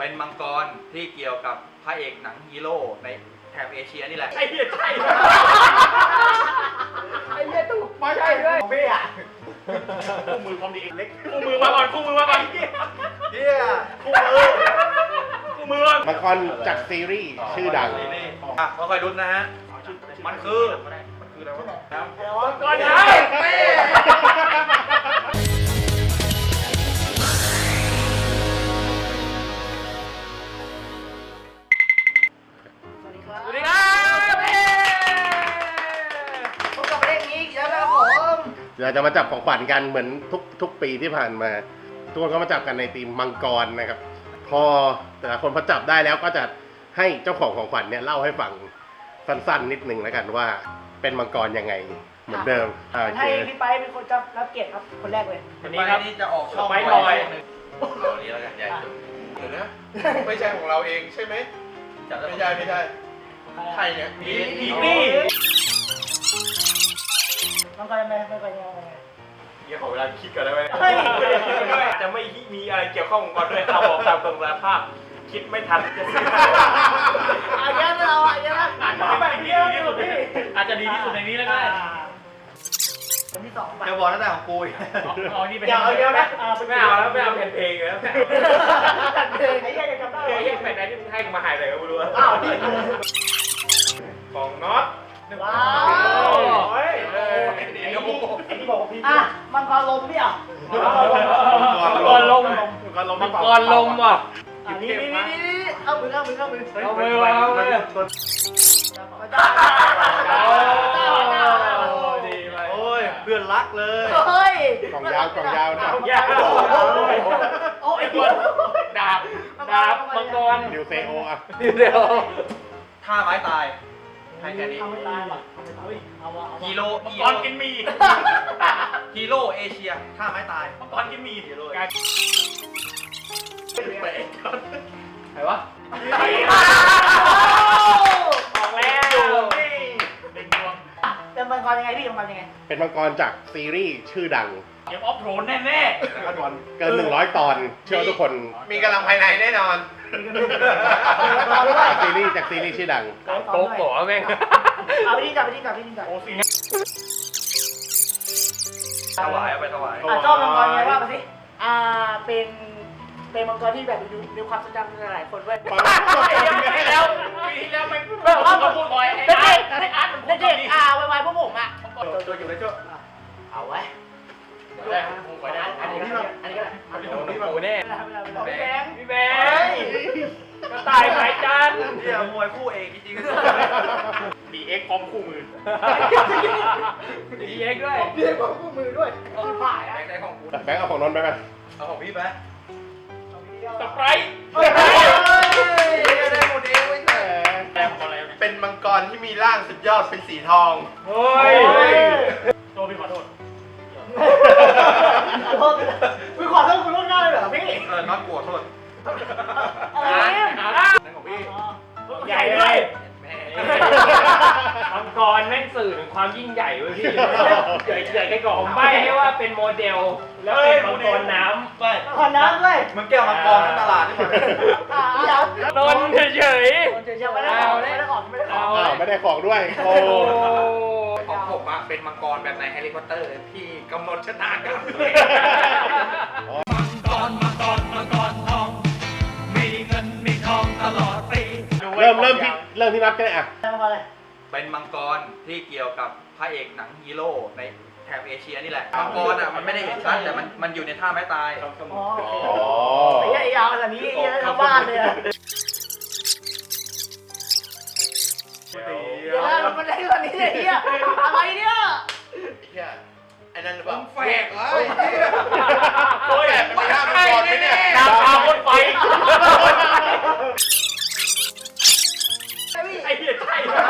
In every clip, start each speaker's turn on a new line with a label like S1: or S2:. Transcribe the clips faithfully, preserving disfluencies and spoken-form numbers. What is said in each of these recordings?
S1: เป็นมังกรที่เกี่ยวกับพระเอกหนังฮีโร่ในแถบเอเชียนี่แหละ
S2: ไอ้เหี้ยใช่
S3: ไอ้เหี้ยตุ๊กไม่ใช่ด้วยเบี้ย
S2: คู่มือความดีเล็กคู่มือมาก่อนคู่มือมาก่อน
S1: เฮีย
S2: คู่มือคู่มือ
S4: มังกรจากซีรีส์ชื่อดัง
S1: อ่ะค่อยๆลุ้นนะฮะมันคือมันคืออะไรวะ
S2: ก่อนนะ
S1: เป้
S3: สวัสดีครับ
S2: สวัสดีครับ
S3: พบกับเรื่องนี้อีกแล้วนะครับผม
S4: เราจะมาจับของขวัญกันเหมือนทุกทุกปีที่ผ่านมา ทุกคนก็มาจับกันในธีมมังกรนะครับ พอแต่ละคนพอจับได้แล้วก็จะให้เจ้าของของขวัญเนี่ยเล่าให้ฟังสั้นๆนิดนึงแล้วกันว่าเป็นมังกรยังไงเหมือนเดิมอ่าโอเค
S3: ให้พี่ไปเป็นคนจับรับเกียรติครับคนแรกเลย
S2: วันนี้ครับ
S1: นี่จะออกช่อง
S2: ไปหน่อย
S1: เรานี้แล้วกันใหญ่สุด
S5: เดี๋ยวนะไม่ใช่ของเราเองใช่ไหม
S1: จับได้
S5: ไม่ใช่ไม่ใช่ใครเนี่ย
S2: อีอีนี่
S3: มังกรยังไงมังกรยังไง
S2: เดี๋ยวขอเวลาคิดก่อนได้ไหม
S3: เฮ้ย
S2: จะไม่มีอะไรเกี่ยวข้องก่อนด้วยเอาบอกตามตรงสารภาพคิดไม่ทันจะซื้อ
S3: อันนี้เราอันนี้นะ
S2: อาจจะแบบดีที่สุดอาจจะดีที่สุดในนี้แล้วก็ได้
S3: คนที่สองไป
S1: จะบอกตั้งแต่ของกูอีก
S2: อ๋อนี่เป็น
S3: เดี๋ยวเอาเดี๋ยวนะ
S2: ไม่เอาแล้วไม่เอาแผ่นเพลงแล้ว
S3: ตัดเพลงไอ้เหี้ยจะจำได้
S2: ไอ้ยังแผ่นไหนที่มึงให้กูมาหายเลยก็ไม่รู้
S3: อ้าวนี่
S2: ของน็อต
S3: ว้าว
S2: โอ้ย
S3: ไอ้นี่ที่บอกพี่อ่ะมังกรลมเนี่ย
S2: มังกรลมมังกรลมว่ะ
S3: อันนี้นี่นี่นี่เอามือเอามือเอามือ
S2: เอาไปวางไว้ดีไป
S1: โอ้ยเพื่อนรักเลย
S3: เฮ้ย
S4: กล่องยาวกล่องยาวนะ
S2: ยาว
S3: โอ้ย
S2: ดาบดาบมังกร
S4: ดิวเซโออ่ะ
S2: เดี๋ยว
S1: ท่าไม้ตายให้แค่นี้
S3: เอาไม่ตายว่ะเอาไม่ตายเอาวะเอาวะ
S1: ฮีโร่
S2: มัง
S1: ฮี
S2: ก
S1: โร่
S2: รกินมี
S1: ฮีโร่เอเชียท่าไม้ตาย
S2: มังกรกินมีการไหนวะออกแล้วเป็นดวง
S3: เป็นมังกรยังไงพี่มังกรยังไง
S4: เป็นมังกรจากซีรีส์ชื่อดัง
S2: เกมออฟโทนแน่
S4: เกินหนึ่งร้อยตอนเชื่อว่าทุกคน
S5: มีกำลังภายในแน่นอน
S4: จากซีรีส์จากซีรีส์ชื่อดัง
S2: ๆโป๊กบอกแม่ง
S3: เอาไปที่จับไปที่จับไปที่จับ
S2: โอ้สิ
S1: ถวายเอาไปถวาย
S3: อ่ะเจ้ามังกรยังไงว่ามาสิอ่าเป็นเป็นมังกรที่แบบอยู่ในความทรงจำหลายคนด้วย
S2: ปีที่แล้วปีที่แล้วไม่แบบว่าพูดบ่อยไอ้
S3: เด็
S2: อาร์
S3: ก
S2: ตไอ้อาร์ตมันพู
S3: เด็
S2: ด
S3: ก
S2: ตอน
S3: เด็ก
S2: นี้
S3: อ่าวัยๆพวกผมอ่ะ
S1: ตัวอยู่ในโจ้
S3: เอาไว้
S2: ได้ผมไปได้
S3: อันนี้ก็ได้อันนี้ก็ได้
S2: อันนี้ผมโอ้แน่
S3: พี่แบงค์
S2: พี่แบงค์กระต่ายสายจันทร์
S1: เดี๋ยวมวยคู่เอกจริง
S2: ดีเอ็กพร้อมคู่มือดีเอ็กด้วย
S3: เรียกว่าคู่มือด้วยที่ผ่าน
S1: ๆ
S3: อ่ะ
S1: แบงค์ได้ของกู
S4: แบงค์เอาของนนท์ไปไหม
S1: เอาของพี่ไป
S2: สไปร์
S3: เฮ้ย
S5: ได้หมดเองไม่ใช่
S2: แรงอะไร
S5: เป็นมังกรที่มีร่างสุดยอดเป็นสีทอง
S2: เฮ้ยโทษพี่ขอโทษ
S3: ขอโทษคุณขอโทษคุณล่วงหน้าเลยเหรอพี่
S1: เออน็อตกลัวโทษ
S3: อะไรเนี่ย
S1: นั่นของพี่
S2: ใหญ่เลยมังกรแม่งสื่อถึงความยิ่งใหญ่เว้ยพี่ใหญ่ใหญ่แค่กล่องใบให้ว่าเป็นโมเดล แล้วเป็นมังกรน้ำ
S1: ไป
S3: ขอน้ำด้วย
S1: มึงแก้วมังกรทั้งตลาดนี่หมด
S3: อ่าอย่า
S2: โดนเฉย
S3: เฉยๆไม่ได้ออกไม่ได้ออกไม่ได้ออก
S4: อ้าวไม่ได้ของด้วยโอ้
S2: ๆ
S1: ของผมอะเป็นมังกรแบบในแฮร์รี่พอตเตอร์ที่กำหนดชะตากรรม
S4: เริ่มเริ่มที่เริ่มที่นับก็ได้อ่ะ
S3: ทำอะไร
S1: เป็นมังกรที่เกี่ยวกับพระเอกหนังฮีโร่ในแถบเอเชียนี่แหละ มังกรอ่ะมันไม่ได้เห็นชัดแต่มันมันอยู่ในท่าไม้ตาย
S3: อ๋อ
S4: อ๋อ
S3: ไอ้เหี้ยไอ้ยาวขนาดนี้ไอ้เหี้ยชาวบ้านเลยอะเดี๋ยวนะมันได้ขนาดนี้เลยไอ้เหี้ยอะไรเนี่ย
S5: เฮียไอ้นั่นหรือเปล่า
S1: แฝกเหรอ
S5: เฮ้ยเฮ้ยมันมีร่างมังกรไหมเนี่ย
S2: ดาวพาคนไฟไอ้เหี้ยใช่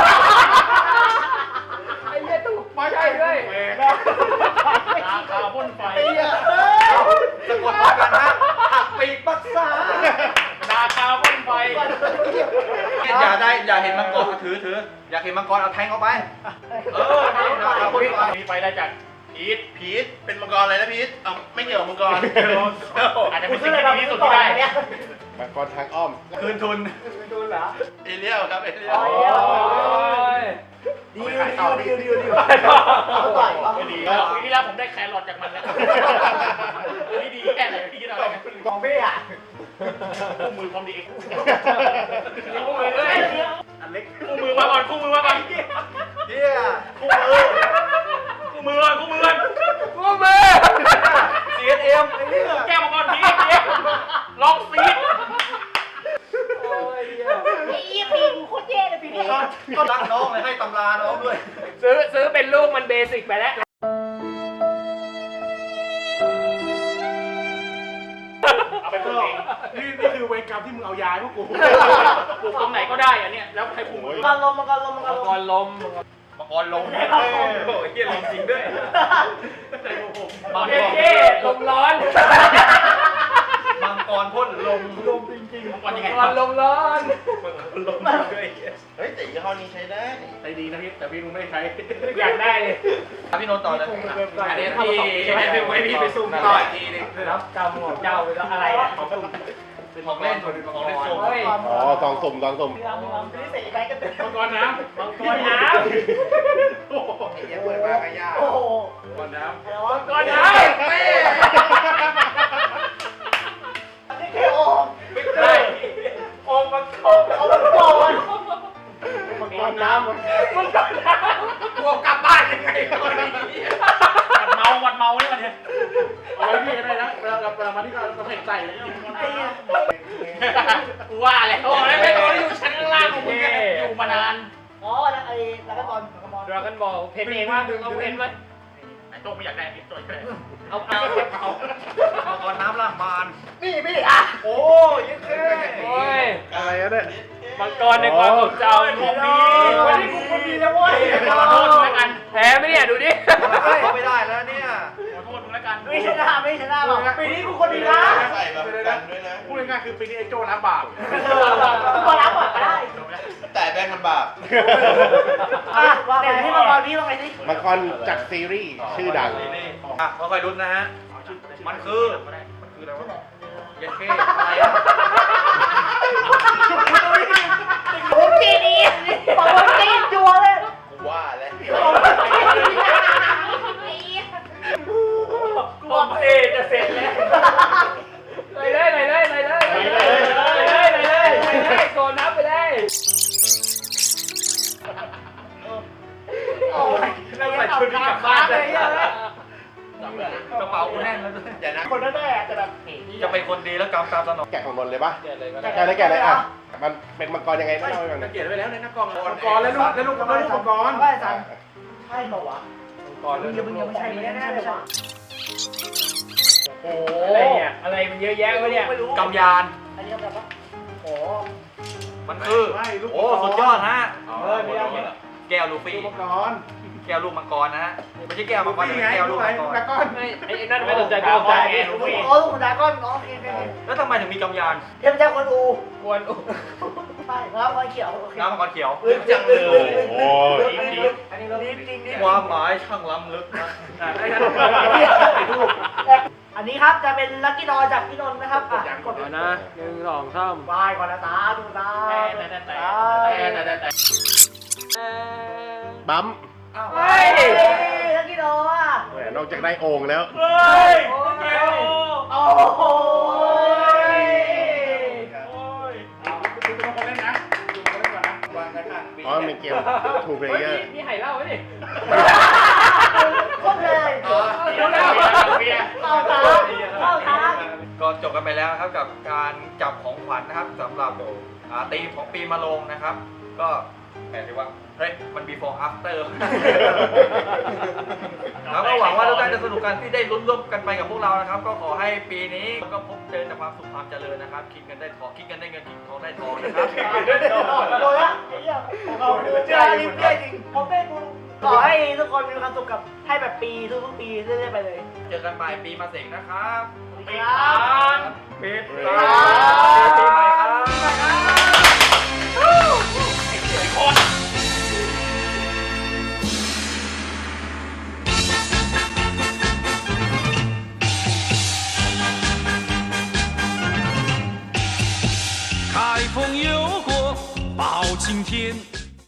S3: ไอ้เหี้ยตุ๊ก
S2: ไม่ใช่ด้วยดาวพาพ่นไฟ
S3: ไอ้เหี้ยเอ้ย
S1: สะกดพร้อมกันนะหักปีกปักษา
S2: ดาวพาพ่นไฟ
S1: อย่าได้อย่าเห็นมังกรเอาถือถืออยากเห็นมังกรเอาแทงเข้าไป เออนี่นะเอาคนไป
S2: มีไฟได้จากเอ
S5: พีทพีทเป็นมังกรอะไรนะพีทเอาไม่เกี่ยวกับมังกร
S2: อาจจะ
S3: คุ
S2: เป็
S3: ณ
S2: น
S3: ซื้
S2: สิ่
S3: อง อะไร
S2: ที่
S3: มา
S2: ดีที่สุด
S3: ก่อ
S2: ที่
S3: น
S2: ได้
S3: เนี่ย
S4: มังกรทางอ้อม
S1: คืนทุน
S3: ดูเหรอ
S5: เอเลียลครับเอเลีย
S3: อ๋อ
S5: ล
S3: ดีดีดีดีดีเอาต่อยเอา
S2: ไม่ดีแล้วปีที่แล้วผมได้แครอทจากมันแล้วนี่ดีแค่ไหนพี่คิดเอาเลย
S3: ของพี่อ่ะ
S2: คู่มือพร้อมดีเอ็กคู่มือด้วย
S1: อันเล็ก
S2: คู่มือมาก่อนคู่มือมาก่อน
S1: เฮียคู่มือ
S2: คู่มือก่อนคู่มือก่อน
S1: คู่มือ ซี เอส เอ็ม ไอ้เหี้ย
S2: แก้วมาก่อนพี่พี่ลองซีด
S3: ไอ้ยี่ปีกูโคตรแย่เลยปีนี้
S1: ก็รักน้องเลยให้ตำราน้องด้วย
S2: ซื้อซื้อเป็นลูกมันเบสิกไปแล้วเอาไปปลูกเอง
S6: นี่นี่คือเวรกรรมที่มึงเอายาให้พวกกู
S2: ปลูกตรงไหนก็ได้อันเนี้ยแล้วใครปลูก
S3: มังกรลมมังกรลมมังกร
S2: มัง
S3: ล
S2: ก
S3: ม
S2: รลม
S1: มังกรลงโอ้ยเฮียลงจริงด้วย
S2: มังกรเท่ลมร้อน
S1: มังกรพ่นลมลมจริง
S2: มังกรยังไงมังกรลมร้อน
S1: ๆลมด้วย
S5: เฮ้ยแต่ยี่ห้อนี้ใช้ได้
S6: ใจดีนะพี่แต่พี่มึงไม่ได้ใช้
S2: อยากได้เลย
S1: พี่โนตต่อเลย
S2: อันนี้พี่ให้พี่ให้พี่ไปซุ่มต่ออีกทีนึงรับกรรมของเจ้าไปแล้วอะไรอ่ะของซุ่ม
S1: เป็นของเล่นของเล่นส่ง
S4: อ๋อซองสุ่มซองสุ่ม
S3: มีลำมีลำซื้อเสร็จไปกันเต็ม
S6: มังกรน้ำ
S2: มังกรน้
S5: ไอ้เหี้ยเปิดมาก็ยาก
S3: โอ้โห
S6: มังกรน้
S3: อะไรวะ
S2: ำมังกรน้ำ
S3: นี่แค่โอ่ง
S2: ไม่ใช่องค์มังกร
S3: เอามังกร
S6: ำมังกรน้ำ
S2: มังกรน้ำกลัวกลับบ้านยังไงตอนนี้วัดเมาวัดเมาเนี่ยมันเนี่ย
S6: เอาไว้พี่ก็ได้นะเวลาเวลามาที่เราเผ็ดใจเลย
S3: ไอ้เหี้ย
S2: กูว่าแล้วโอ้ยไม่ต้องอยู่ชั้นล่างของมึงอยู่มานาน
S3: อ๋อแล้วไอ้แล้วก็บอลแล้วก็บอล
S2: ดราก้อนบอลเพนเองว่าเอาเพนไหมไอ้โต้ไม่อยากได้พี่โต้ช่วยเอาเอาเอา
S1: มังกรน้ำล่างมาร
S3: นี่พี่อ่ะ
S1: โอ้ยยังแค่
S2: โอ้ย
S4: อะไรอะเนี่ย
S2: มังกรในความทรงจำของดี
S3: วันนี้กูคนดีแล้วเว้ย
S2: ขอโทษมึงแล้วกันแพ้ไหมเนี่ยดูดิ
S1: เข้าไม่ได้แล้วเนี่ย
S2: ขอโทษมึงแล้วกัน
S3: ไม่ชนะไม่ชนะหรอกปีนี้กูคนดีนะ
S5: ใส่แบบกันด้วยนะ
S6: พูดง่ายๆคือปีนี้ไอ้โจ้ล้างบาป
S3: กูบอลรับก่อนก็ได้
S5: แต่แบงค์มันบาป
S3: อ่ะว่าแต่ที่มังกรพี่ว่าไงสิ
S4: มังกรจากซีรีส์ชื่อดัง
S1: อ่ะมาคอยรุ้นนะฮะ มันคือ มันคืออะไรวะเยันเค้อะไรอ่ะ
S3: ผมจีดีบอกว่าจีนจัวเลย
S5: กูว่าแล้ว
S2: กูบอกเอจะเสร็จแล้วเลยเลยเลยเลยเลยเลยเลยเลยเลยเลยโซนนับไปเลย
S3: โอ้ยเราใส่ชุดนี้กลับบ้านเลยอ่ะ
S1: กระเป๋ากูแน่นแล้วด้วย
S5: เดี๋ยวนะ
S3: คนนั้นแน่แต่แบบ
S1: จะเป็นคนดีแล้วกำตามสนอง
S4: แกะของนนท์เลยปะ
S2: เกิดเลยก็
S4: แกะเลยแกะเลยอ่ะ มันเป็นมังกรยังไงเล่าให้ฟังหน่อย
S6: เขียนไว้แล้วในหน้ากล่องมังกรแล้วลูกแล้วลูกแล้วลูกมังกร
S3: ไม่สั่งใช่เปล่าวะ
S2: ก่อน
S3: มึงอย่ามึงอย่าไม่ใช่ไม่แน่เลยวะ
S2: โอ้อะไรเนี่ยอะไรมันเยอะแยะวะเนี่ย
S3: ไม่รู้
S1: กำยาน
S3: อันนี้แบบว่าโอ้
S1: มันคือ
S6: ไม่ลูก
S1: โอ้ สุดยอดฮะ
S6: เออไม่เอา
S1: แก้วลูฟี่
S6: ลูกมังกร
S1: แก้วลูกมังกรนะฮะ ไม่ใช่แก้ว
S6: ลู
S1: มั
S6: ก
S1: งกร
S6: พี่
S1: แต่
S6: ไง
S1: แก้ว
S6: ลู
S1: ลู
S6: ก
S1: ก
S6: ไหน
S1: มัง
S6: ลูก
S1: ก
S6: ดราร ก้อน
S2: ไม่ไอ้นั่นไม่สนใจกูสนใจไอ้ลูกพี่
S3: โอ้ลูกดราก้อนน้องเอง
S1: แล้วทำไมถึงมีกำยาน
S3: เทพเจ้าคนอู
S2: กวนอุ
S3: ใช่แล้วมันเขียวโอเค
S1: น้ำมังกรเขียว
S5: จังเลย
S4: โอ้ย
S3: อันนี้เราจริงจริง
S1: ความหมายช่างล้ำลึกนะ
S6: อ่ะไอ้นั่น
S3: อันนี้ครับจะเป็นลัคกี้ดอจากพี่นนท์นะครับอ่ะกด
S2: ก่อนนะหนึ่งสองสาม
S3: วายก่อนนะตาดูตา
S2: แต่แต่แต่แต่แต่แต่
S4: บัมป์
S3: เฮ้ยลัคกี้ดออ่ะ
S4: แหมนอกจากได้โอ่งแล้ว
S2: เฮ้ยโอ้ย
S3: โอ้โห
S6: ดูตัวคนเล่นนะดูตัวคนเล่นก่อนนะ
S5: วางกระถางปี
S4: อ๋อเป็นเกม two
S2: เฮ้ย
S4: player
S2: นี่ไห่เล่าไว้ดิ
S3: โคตรเลย
S2: เดี๋ยวแล้วเบียร์
S3: เข้าทางเข้าทาง
S1: ก็จบกันไปแล้วนะครับกับการจับของขวัญนะครับสำหรับอ่าธีมของปีมะโรงนะครับ ก็แหมายถึงว่าเฮ้ยมัน before after แล้วก็หวังว่าทุกท่านจะสนุกกันที่ได้ลุ้นร่วมกันไปกับพวกเรานะครับ ก็ขอให้ปีนี้ก็พบเจอแต่ความสุขความเจริญนะครับ คิดเงินได้ทองคิดเงินได้เงินคิดทองได้ทองนะครับ
S3: โดนละไอ้เหี้ยเราเจอลิ้นเปี้ยจริงผมเป็นกูขอให้ทุกคนมีความสุขกับให้แบบปีทุกๆปีเรื่อยๆไปเลย
S1: เจอกันปลายปีมาเสงนะครับ
S3: สวัสดีครับ
S1: ปิด
S3: ครั
S1: ร้า
S3: บ
S1: นปีใหม่ครับ
S7: 风有过包青天。